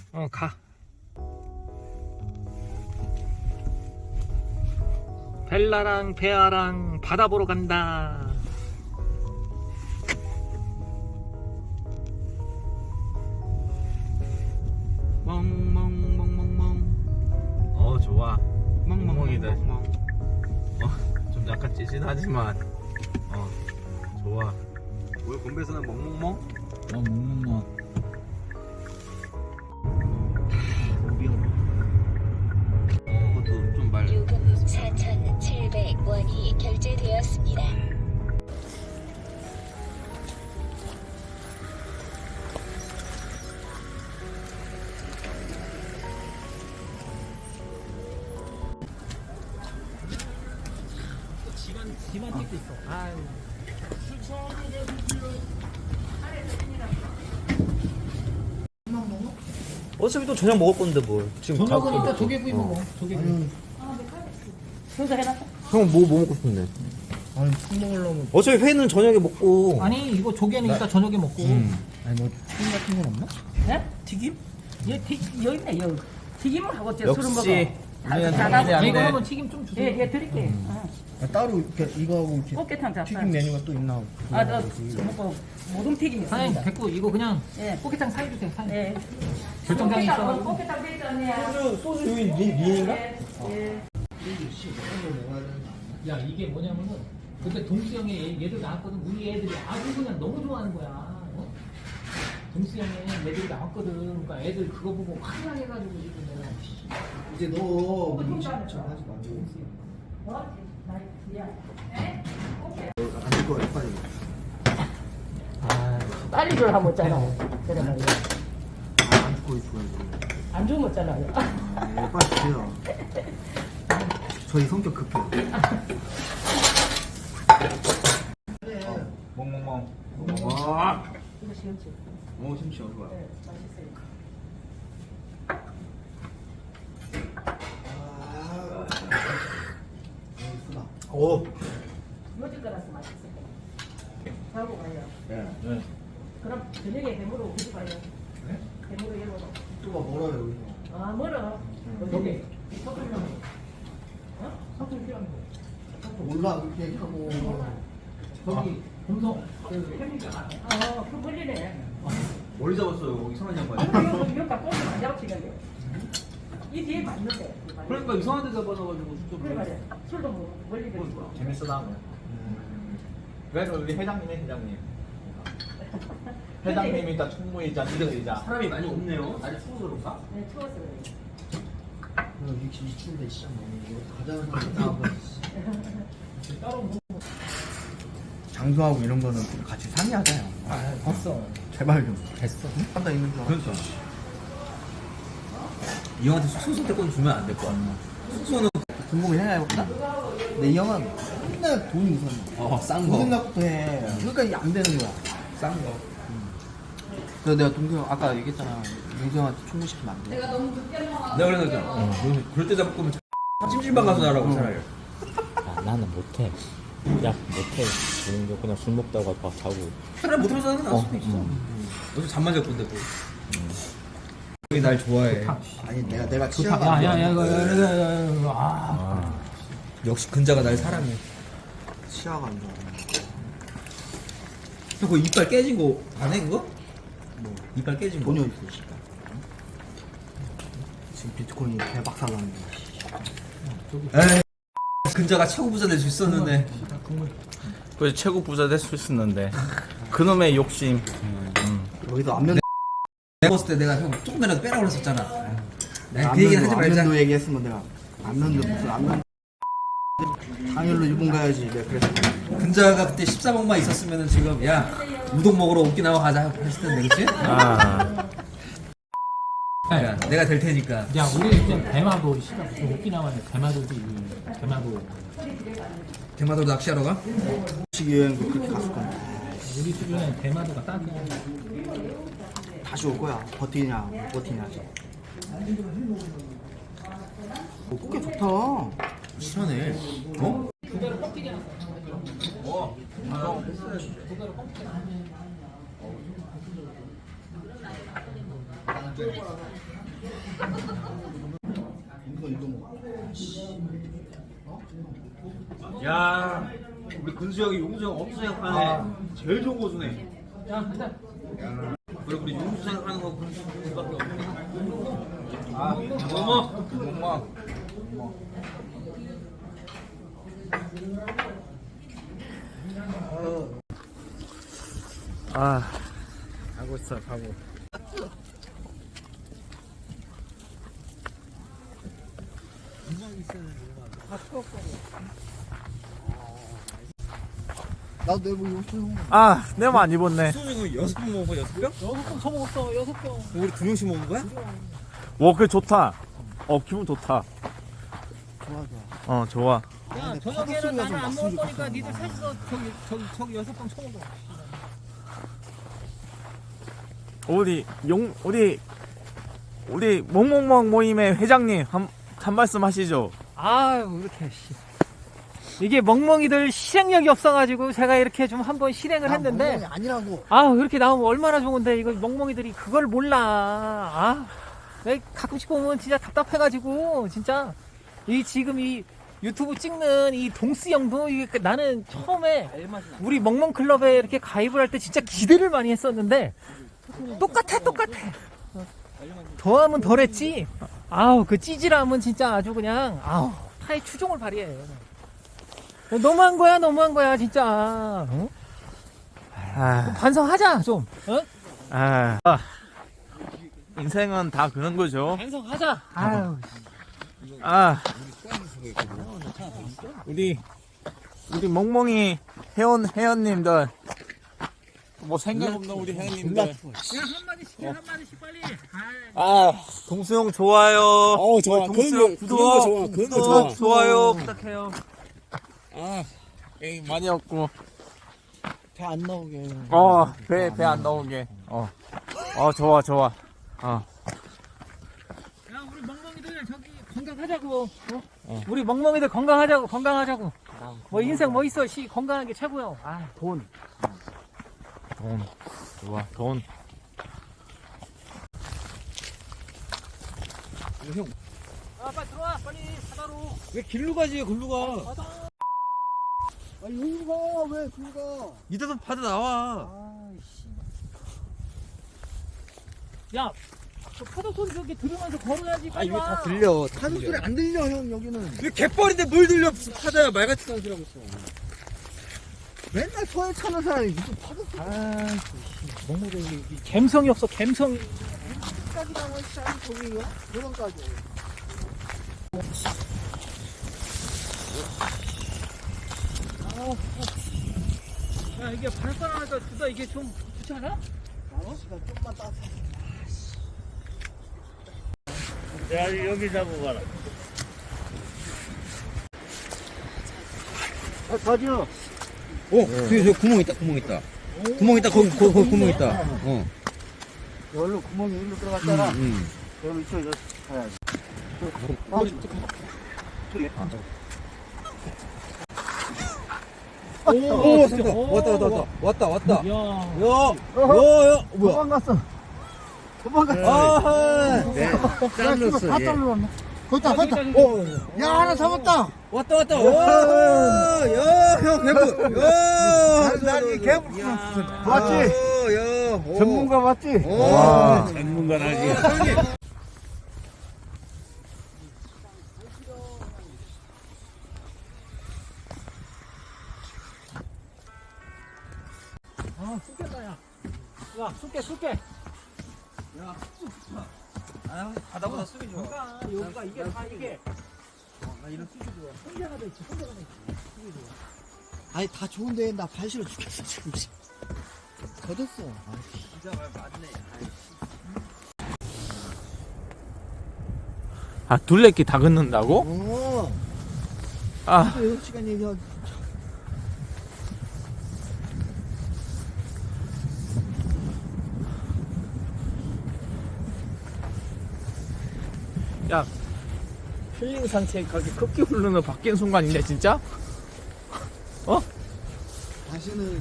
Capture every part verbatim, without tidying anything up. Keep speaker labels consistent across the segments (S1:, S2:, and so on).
S1: 어, 가. 벨라랑 베아랑 바다 보러 간다. 멍멍멍멍멍.
S2: 어 좋아.
S1: 멍멍이들.
S2: 어좀 약간 찌릿하지만 어 좋아.
S3: 오늘 건배사는 멍멍멍?
S2: 어 멍멍멍.
S3: 어, 그것도 좀 말.
S4: 요금 사천칠백 원이 결제되었습니다.
S1: 집안 집안 찍고 있어. 아유.
S2: 어차피 또 저녁 먹을 건데 뭘. 지금
S1: 저녁은
S2: 다-
S1: 이따 조개구이 먹어. 조개구이.
S2: 형은 뭐, 뭐 먹고 싶은데?
S1: 아니 술 먹으려면.
S2: 어차피 회는 저녁에 먹고.
S1: 아니 이거 조개는 이따 저녁에 먹고.
S2: 음.
S1: 아니 뭐 튀김 같은 건 없나?
S5: 네?
S1: 튀김?
S5: 여기, 튀, 여기 있네, 여기. 튀김을 하고 제 술을 먹어.
S2: 역시 우리는
S5: 다- 다-
S2: 당연히
S5: 다-
S2: 안
S1: 아니
S2: 돼.
S1: 그러면 튀김 좀 주세요.
S5: 예, 예, 드릴게.
S6: 아, 따로 이렇게 이거하고 이렇게
S5: 꽃게탕 잡사.
S6: 튀김 메뉴가 또 있나?
S5: 아, 저, 저 먹고, 모둠 튀김
S1: 사장님
S5: 있습니다.
S1: 됐고 이거 그냥
S5: 예.
S1: 꽃게탕 사주세요. 사장님.
S5: 예.
S1: 결정장이 있어.
S5: 꽃게탕 되있잖아요.
S6: 소주 소주 여기 리, 리인가?
S5: 예. 예.
S1: 야 이게 뭐냐면은 그때 동수 형이 얘- 얘들 나왔거든. 우리 애들이 아주 그냥 너무 좋아하는 거야. 어? 동수 형이 애들이 나왔거든. 그러니까 애들 그거 보고 환장해가지고 지금 내가
S6: 이제 너 인식 좀 하지 말고
S5: 뭐? 나, 야.
S6: 안될 거야 빨리.
S1: 아
S5: 빨리 줄 하면 없잖아. 그래 말이야.
S6: 안 듣고 있어야지.
S5: 안 주면 없잖아요.
S6: 아, 빨리 주세요. 저희 성격 급해요.
S2: 멍멍멍.
S6: 와,
S5: 이거 시원치.
S6: 오 심시어 좋아.
S5: 네, 맛있어요.
S6: 아, 예쁘다.
S2: 오.
S5: 요즘 거라서 맛있어요. 하고 가요.
S6: 예.
S2: 네.
S5: 그럼 저녁에 배무로 오지 가요.
S6: 네?
S5: 배무로 열어도.
S6: 또가 멀어요 여기서.
S5: 아, 멀어.
S1: 여기
S5: 석을 어? 석을 필요한 거.
S6: 몰라 그렇게 얘기하고.
S1: 저기 금성 그 햄리가
S5: 어, 그 멀리네.
S3: 머리 잡았어요. 이상한 양반이.
S5: 아, 이거 이거 갖고 오면 안 잡히겠네. 이 뒤에 맞는데.
S3: 그러니까 이상한 데 잡아놔가지고 진짜.
S5: 그래 말이야. 술도 뭐 멀리 되고.
S2: 재밌어 나면. 그래서 우리 회장님이 회장님. 회장님이자 총무이자 리더이자.
S3: 사람이 많이 없네요. 날이 추워서 그런가?
S5: 네, 추워서 그래.
S6: 여기 이 추운데 시장 너무 가자는 사람 나와서.
S1: 따로 뭐
S6: 장소하고 이런 거는 같이 상의하자요.
S1: 아, 됐어.
S6: 제발 좀.
S1: 됐어.
S6: 한다 있는 줄 알아.
S3: 그러니까. 이 형한테 숙소 선택권 주면 안 될 것 같아. 숙소는
S6: 궁금해 해볼까? 근데 이 형은 맨날 돈이 우선.
S3: 어, 싼
S6: 돈
S3: 거.
S6: 생각부터 해. 그러니까 이게 안 되는 거야.
S3: 싼 거.
S6: 그래서 내가 동생 아까 얘기했잖아. 동생 형한테 총무시키면 안 돼.
S3: 내가 그랬잖아. 어, 너 그럴 때 잡을 거면 찜질방 가서 자라고 차라리.
S7: 아, 나는 못해. 야, 못해. 그냥, 그냥 술 먹다가 막 자고.
S3: 차라리 못하면서 하는 게 나을 수도
S7: 어,
S3: 있어.
S7: 음.
S3: 너도 잠만 잘 건데 뭐. 형이 날 좋아해.
S6: 아니 내가 내가
S1: 좋다.
S6: 치아가
S1: 야,
S6: 안
S1: 야,
S6: 좋아.
S1: 야, 이거, 이거, 이거, 이거, 이거, 아.
S3: 역시 근자가 날 사랑해.
S6: 치아가 안 좋아.
S3: 형, 그 이빨 깨진 거 안 해, 그거? 뭐, 이빨 깨진 거.
S6: 돈이 어디 있어, 씨발. 지금 비트코인이 대박 살랐는데.
S3: 에이, 근자가 최고 부자 될 수 있었는데.
S2: 그 최고 부자 될 수 있었는데 그놈의 욕심.
S6: 여기서 안면
S3: 내가 봤을 때 내가 형 조금이라도 빼라고 그랬었잖아. 내가 그
S6: 안면도,
S3: 얘기는 하지 말자.
S6: 안면도 얘기했으면 내가 안면도 무슨 안면 당일로 일본 가야지 내가 그랬어.
S3: 근자가 그때 십사억만 있었으면 지금 야 우동 먹으러 오키나와 가자 했을 텐데 그치?
S2: 아.
S3: 야, 내가 될 테니까.
S1: 야, 우리 그냥 대마도 시간 무슨 오키나와는 대마도지. 대마도.
S3: 대마도 낚시하러 가?
S6: 시기 여행 그렇게 갔을 건데
S1: 우리 주변에 대마도가 딱이야.
S6: 다시 올 거야. 버티냐 못 버티냐. 오, 꽃게 좋다.
S3: 시원해. 어?
S1: 그대로 꺾이게 놨어.
S3: 어.
S1: 그대로 꺾이게 놨어.
S6: 이거 이거 뭐.
S8: 야, 우리 근수 형이 용수 형 엄수 생각하네. 제일 좋은 고수네.
S1: 야, 가자.
S8: 그리고 우리 용수 생각하는 거 근수 형밖에 없네.
S2: 아,
S8: 어머.
S2: 엄마. 아, 가고 있어, 가고.
S6: 나도 내뭐 요즘
S2: 아, 내가 안 입었네.
S3: 수영이 여섯 번 먹은 거야, 여섯 병?
S1: 여섯 병 처먹었어, 여섯 병.
S3: 우리 두 명씩 먹은 거야?
S2: 와, 그게 좋다. 어, 기분 좋다.
S6: 좋아 좋아.
S2: 어, 좋아.
S1: 야,
S6: 근데
S1: 저녁에는
S6: 파도소리가
S1: 나는
S6: 좀
S1: 안
S6: 났으면
S1: 먹을 거니까
S6: 좋겠어.
S1: 니들 셋이서 저기, 저기, 저기 여섯 병 처먹어.
S2: 우리 용 우리 우리 멍멍멍 모임의 회장님 한, 한 말씀 하시죠.
S1: 아유, 이렇게, 씨. 이게 멍멍이들 실행력이 없어가지고 제가 이렇게 좀 한번 실행을 했는데,
S6: 멍멍이 아니라고.
S1: 아, 이렇게 나오면 얼마나 좋은데, 이거 멍멍이들이 그걸 몰라. 아, 내가 가끔씩 보면 진짜 답답해가지고, 진짜. 이 지금 이 유튜브 찍는 이 동스 형도 이게 그 나는 처음에 우리 멍멍클럽에 이렇게 가입을 할 때 진짜 기대를 많이 했었는데, 똑같아, 똑같아. 더하면 덜했지. 아우, 그 찌질함은 진짜 아주 그냥, 아우, 타의 추종을 발휘해. 너무한 거야, 너무한 거야, 진짜. 어?
S2: 아,
S1: 반성하자, 좀. 어?
S2: 아, 아, 인생은 다 그런 거죠.
S1: 반성하자. 아유.
S2: 아, 우리 우리 멍멍이 회원 회원님들 뭐 생각 없는 우리 회원님들.
S1: 야, 한마디씩 해, 한마디씩 빨리.
S2: 아, 동수형 좋아요.
S6: 어 좋아.
S2: 동수형 구독,
S6: 좋아. 그런 거 좋아.
S2: 구독, 좋아요 부탁해요. 아, 에이 많이 없고.
S6: 배 안 나오게.
S2: 어, 배 배 안 나오게. 어, 어 좋아 좋아. 어.
S1: 야, 우리 멍멍이들 저기 건강하자고. 어? 우리 멍멍이들 건강하자고, 건강하자고. 뭐 인생 뭐 있어, 씨 건강한 게 최고요. 아, 돈.
S2: 돈 좋아 돈.
S1: 아, 빨리 들어와, 빨리 바다로.
S3: 왜 길로 가지, 글로 가.
S6: 아 여기 가왜 그리 가?
S3: 이따도 바다 나와.
S1: 아이씨. 야, 저 파도 소리 저기 들으면서 걸어야지.
S3: 아,
S1: 빨리
S3: 이거
S1: 와.
S3: 다 들려.
S6: 파도 소리 안 들려 형 여기는.
S3: 왜 갯벌인데 뭘 들려? 무슨 바다야, 말 같지도 않은 소리 하고 있어.
S6: 맨날 소에 차는 사람이 무슨 파도 소리.
S1: 아, 멍멍이들 갬성이 없어, 갬성이.
S6: 까지 나와 씨 저기요. 그런까지.
S1: 야, 이게 바닷바람 하니까 두다 이게 좀 좋지 않아?
S6: 날씨가 좀만 따뜻해.
S7: 야, 여기 잡고 가라.
S6: 아 가지요.
S3: 어, 저기 저 구멍 있다, 구멍 있다. 구멍 있다, 거기, 거기, 거기 구멍 있다. 어.
S6: 여기로 구멍이 일로 들어갔잖아.
S3: 응.
S6: 여기 이쪽에 가야지.
S3: 오, 오, 잠깐. 왔다, 왔다, 왔다. 왔다, 왔다.
S1: 야,
S3: 야, 야, 야, 뭐야.
S6: 도망갔어. 도망갔어.
S3: 아하.
S6: 네. 잘랐어. 다 잘랐네. 거기다 거기다.
S3: 어,
S6: 야 하나 잡았다.
S3: 왔다, 왔다. 오, 야, 형, 개불. 야,
S6: 난이 개불. 맞지?
S3: 야, 오.
S6: 전문가 맞지?
S3: 와.
S7: 전문가라지.
S1: 아, 쑥겠다, 야. 야, 쑥게, 쑥게.
S3: 아, 바다보다 쑥이 좋아.
S1: 그러니까 여기가 이게 다 이게. 나 이런 쑥이 좋아. 혼자가 돼 있지, 혼자가 돼 있지. 쑥이 좋아.
S6: 아니 다 좋은데 나 발 시려 죽겠어 지금. 젖었어.
S3: 진짜 말 맞네.
S2: 아, 둘레길 다 긋는다고?
S6: 어.
S2: 아,
S6: 여섯 시간 얘기하기.
S2: 야, 힐링 산책하기 급기 흐르는 바뀐 순간인데 진짜? 어?
S6: 다시는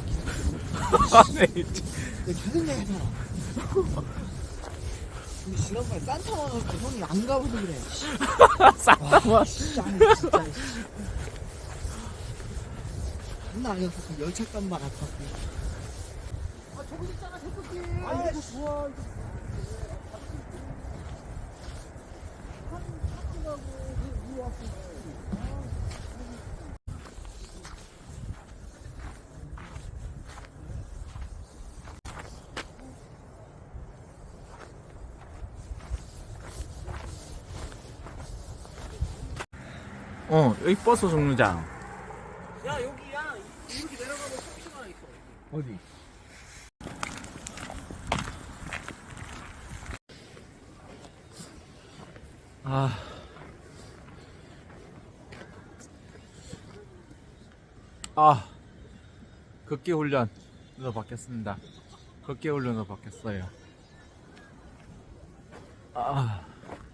S6: 여기서
S2: 아, 네.
S6: 내가 계속 얘기하잖아. 지난번에 산타 와서 형이 안 가봐서 그래.
S2: 싹다만
S6: 진짜 진짜. 장난 아니었어. 열차값만 아팠고. 아 저거 있잖아 태극기. 아 이거 좋아.
S2: 어 여기 버스 정류장.
S1: 야 여기야 이렇게 내려가면 택시가 하나 있어.
S2: 어디? 아. 아. 걷기 훈련으로 바뀌었습니다. 걷기 훈련으로 바뀌었어요. 아.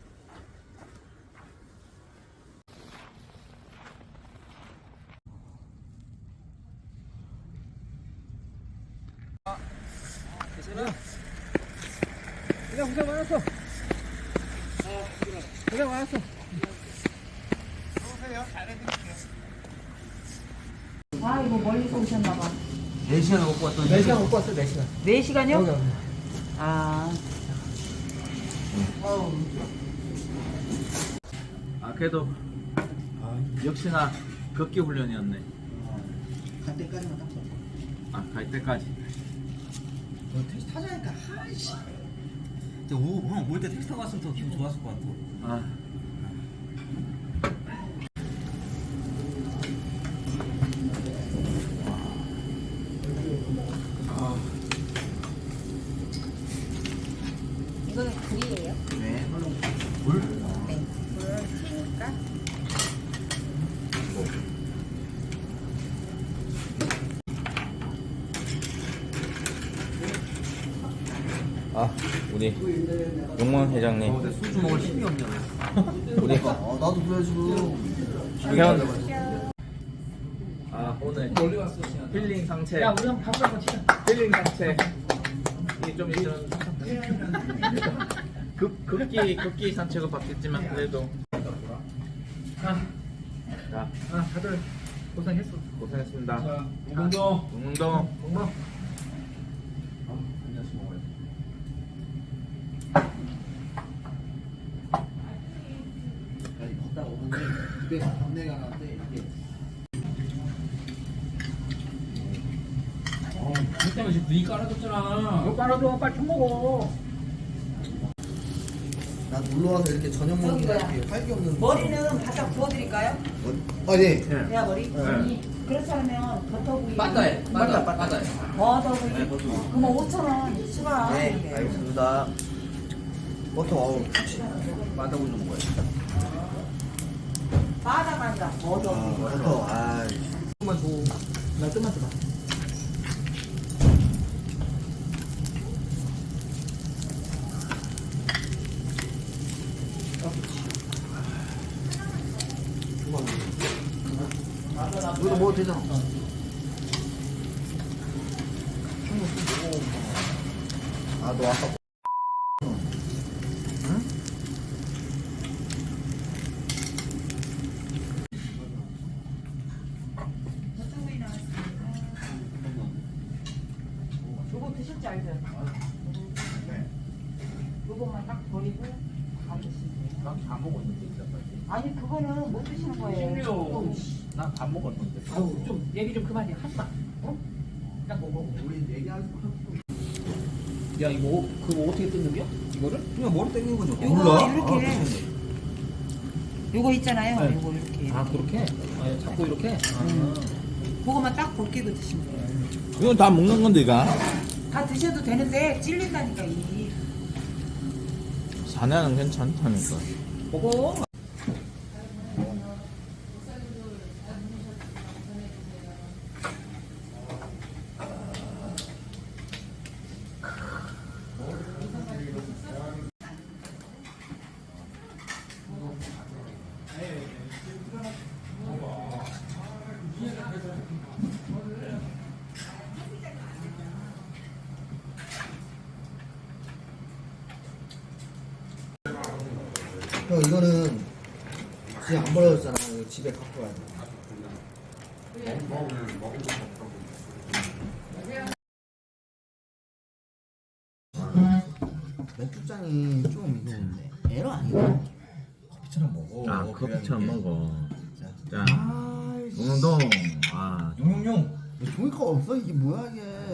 S1: 그냥 고생 많았어. 고생 많았어.
S5: 아 이거 멀리서 오셨나봐.
S3: 네 시간 먹고 왔더니
S1: 네 시간 먹고 왔어, 네 시간.
S5: 네 시간이요?
S1: 여기, 여기.
S5: 아
S2: 아 그래도 아, 역시나 걷기 훈련이었네.
S6: 갈 때까지만 딱 써.
S2: 아 갈 때까지.
S3: 너 택시 타자니까 하이씨. 형올 때 택시 타고 왔으면 더 기분 좋았을 것 같아.
S2: 아.
S9: 이거는 굴이에요.
S3: 네. 물?
S9: 네. 굴을 튀니까.
S7: 아 우리 용문 회장님
S3: 어, 근데 소주 먹을 힘이 없냐.
S7: 우리
S6: 아 나도 그래 지금.
S7: 현
S2: 아 오늘 힐링 상체.
S1: 야, 우리 한번 밥을 한번 치자.
S2: 힐링 상체. 이게 좀 이런 급 급기 급기 산책은 바뀌었지만 그래도
S1: 아,
S2: 자
S1: 아, 다들 고생했어.
S2: 고생했습니다.
S1: 운동.
S2: 운동.
S1: 운동.
S6: 아니 걷다가 오는데 집에서 안내가 나는데 이게
S1: 그 때문에 지금 눈이 깔아줬잖아. 이거 깔아줘, 빨리 좀 먹어.
S6: 나 놀러 와서 이렇게 저녁 먹는 게 이렇게 활기 없는.
S5: 머리는 바짝 구워드릴까요?
S6: 아 네.
S5: 야 머리?
S2: 네.
S5: 그렇지 않으면 버터구이
S3: 빠따해. 빠따 빠따해.
S5: 버터구이 그러면 오천 원 추가.
S6: 네 알겠습니다. 버터 어우
S3: 빠따고 좀 먹어야 돼.
S5: 바다가 아니라
S6: 아
S5: 버터구이.
S6: 버터 아
S1: 조금만 줘. 나 좀만 줘봐.
S6: 이거 먹어도 되잖아. 아 너 아까
S5: 요거 드실 줄 알죠? 요거만 딱 버리고 안 드시면 돼요.
S2: 난다 먹었는데 이제까지.
S5: 아니 그거는 못 드시는 거예요.
S2: 난 다 먹었는데.
S1: 아우, 좀 얘기 좀 그만해. 하지 마. 어? 딱 먹어.
S6: 우리 얘기하지 마.
S1: 야, 이거 그거 어떻게 뜯는 거야? 이거를?
S3: 그냥 머리 땡기는 거죠.
S5: 요거 이렇게 요거 있잖아요.
S1: 네.
S5: 요거 이렇게
S1: 아, 그렇게? 아, 자꾸 이렇게? 아.
S5: 그거만 딱 벗기고 드시면 돼요.
S2: 이건 다 먹는 건데 이가.
S5: 다 드셔도 되는데 찔린다니까 이.
S2: 사냥은 괜찮다니까.
S1: 먹어.
S6: 형 이거는 지금 안 버려졌잖아. 이거 집에 갖고 가야 돼. 맥주장이 좀 이거 에러 아니야? 커피처럼 먹어.
S2: 아 커피처럼 먹어. 자
S6: 아이씨.
S2: 운동. 아
S6: 용용용. 종이컵 없어? 이게 뭐야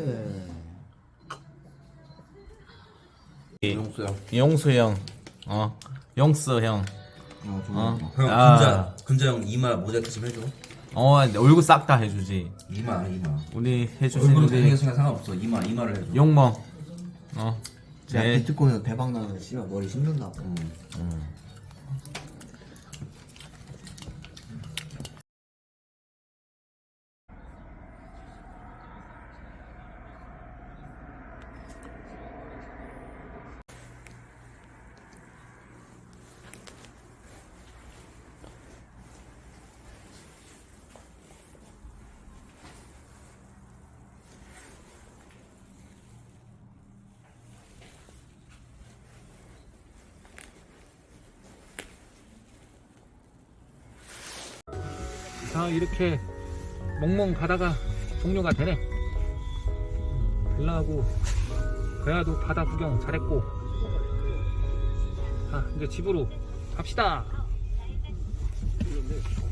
S6: 이게?
S3: 용수 형.
S2: 용수 형. 어 용수 형.
S6: 어,
S2: 어.
S3: 형
S2: 아.
S3: 근자 근자 형 이마 모자이크 좀 해줘.
S2: 어 얼굴 싹 다 해주지.
S3: 이마 이마.
S2: 우리 해주신
S3: 얼굴은
S2: 우리
S3: 잘생겼으니까 상관없어. 이마 이마를 해줘.
S2: 용멍. 어.
S6: 야
S2: 제
S6: 비트코인 대박 나면 씨발 머리 씹는다고.
S3: 음.
S1: 자 이렇게 멍멍 가다가 종료가 되네. 빌라하고 그야도 바다 구경 잘했고, 자 이제 집으로 갑시다.